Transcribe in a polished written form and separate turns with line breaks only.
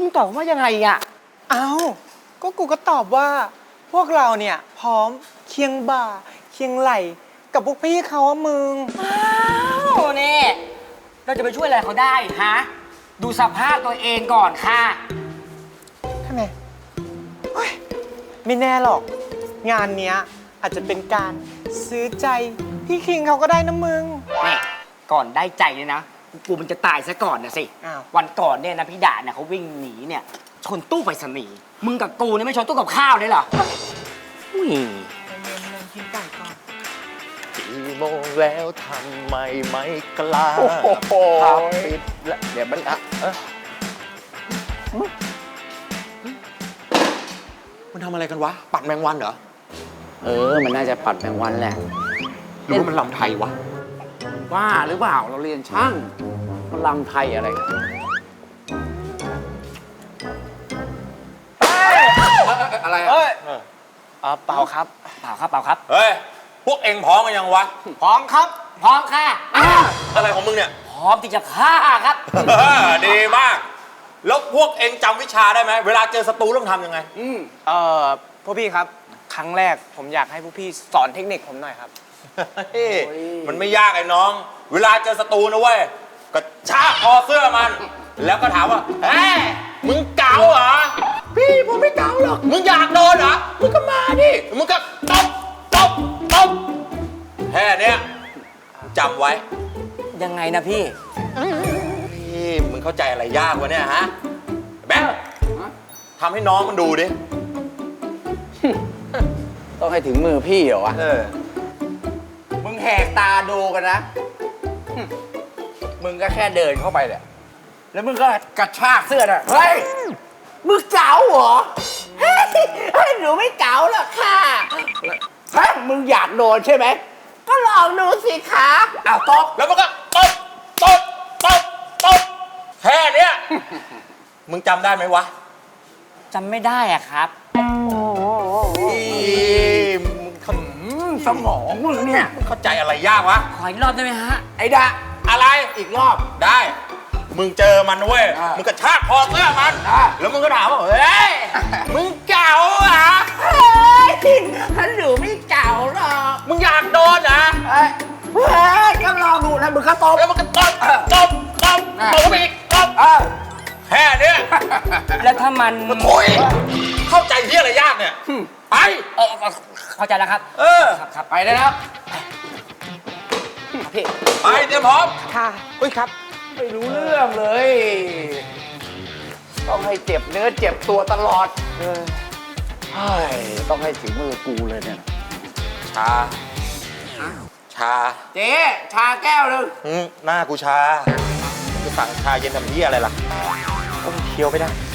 งตอบว่ายังไงอะ
เอาก็กูก็ตอบว่า พวกเราเนี่ยพร้อมเคียงบ่าเคียงไหลกับพวกพี่เขาอะมึง
อ้าวนี่เราจะไปช่วยอะไรเขาได้ฮะดูสภาพตัวเองก่อนค่ะ
ทำไมเฮ้ยไม่แน่หรอก งานเนี้ยอาจจะเป็นการซื้อใจพี่คิงเขาก็ได้นะมึง
นี่ก่อนได้ใจเนี่ยนะกูมันจะตายซะก่อนนะสิ
อ้าว
วันก่อนเนี่ยนะพี่ดาเนี่ยเขาวิ่งหนีเนี่ยชนตู้ไปรษณีย์มึงกับกูเนี่ยไม่ชนตู้กับข้าวเลยเหรออุ้ย
กินไก่ก่อน
กี่โมงแล้วทำไมไม่กล้า
โอ้โห
ผับปิดแล้วเดี๋ยวมันมันทำอะไรกันวะ ปัดแมงวันเหรอ
มันน่าจะปัดแมงวันแหละ
หรือว่ามันลำไทยวะ
ว่าหรือเปล่าเราเรียนช่างมันลำไทยอะไรกัน อะไรอะ
เฮ้ย
เปล่าครับ
เปล่าครับเปล่าครับ
เฮ้ย พวกเอ็งพร้อมกันยังวะ
พร้อมครับพร้อมค่ะ
อะไรของมึงเนี่ย
พร้อมที่จะฆ่าครับ
ดีมาก แล้วพวกเอ็งจำวิชาได้ไหม เวลาเจอศัตรูต้องทำยังไง
พวกพี่ครับ ครั้งแรกผมอยากให้พวกพี่สอนเทคนิคผมหน่อยครับ
เฮ้ยมันไม่ยากไอ้น้อง เวลาเจอศัตรูนะเว้ยก็ชากคอเสื้อมัน แล้วก็ถามว่าเฮ้ยมึงเก๋าเหรอ พี่ผมไม่เก๋าหรอก มึงอยากโดนเหรอ มึงก็มาดิ มึงก็ตบตบตบแค่เนี้ยจำไว้
ยังไงนะพี่
พี่มึงเข้าใจอะไรยากวะเนี่ยฮะแบ๊ทำให้น้องมันดูดิ
ต้องให้ถึงมือพี่เหรอวะ
เออ
มึงแหกตาดูกันนะ มึงก็แค่เดินเข้าไปแหละ แล้วมึงก็กระชากเสื้อน่ะ เฮ้ย มึงเก๋าเหรอ เฮ้ยหนูไม่เก๋าหรอกค่ะเฮ้ยมึงอยากโดนใช่ไหม ก็ลองดูสิคะอ้าวตบ
แล้วมันก็ตบตบตบตบแค่เนี้ย มึงจำได้ไหมวะ
จำไม่ได้อะครับ
สมองมึงเนี่ย
เข้าใจอะไรยากวะ
ขออีกรอบได้ไหมฮะ
ไอ้ดะ
อะไร
อีกรอบ
ได้ มึงเจอมันเว้ย
อ่ามึ
มึงกระชากคอเสื้อมัน
อ่า
แล้วมึงก็ถามว่า เฮ้ย มึงเก่าเหรอ
เฮ้ยฉันหนูไม่เก๋าหรอก
มึงอยากโดนเหรอ
เฮ้ยก็ลองดูนะมึงก็ตบ
แล้วมันก็ตบตบตบตบไปอีกตบแค่เนี้ย
แล้วถ้ามัน
โอ้ยเข้าใจที่อะไรยากเนี่ย ไป
เข้าใจแล้วครับ
เออ
ครับ
ไปได้แล้ว
พี่
ไปเตรียมพร้อม
ค่ะอุ้ยครับ
ไม่รู้เรื่องเลย ต้องให้เจ็บเนื้อเจ็บตัวตลอดเฮ้ยต้องให้ถึงมือกูเลยเนี่ย
ชา ชา
เจ๊ชาแก้วหนึ่ง
หน้ากูชาจะสั่งชาเย็นทำเหี้ยอะไรล่ะต้องเคี้ยวไม่ได้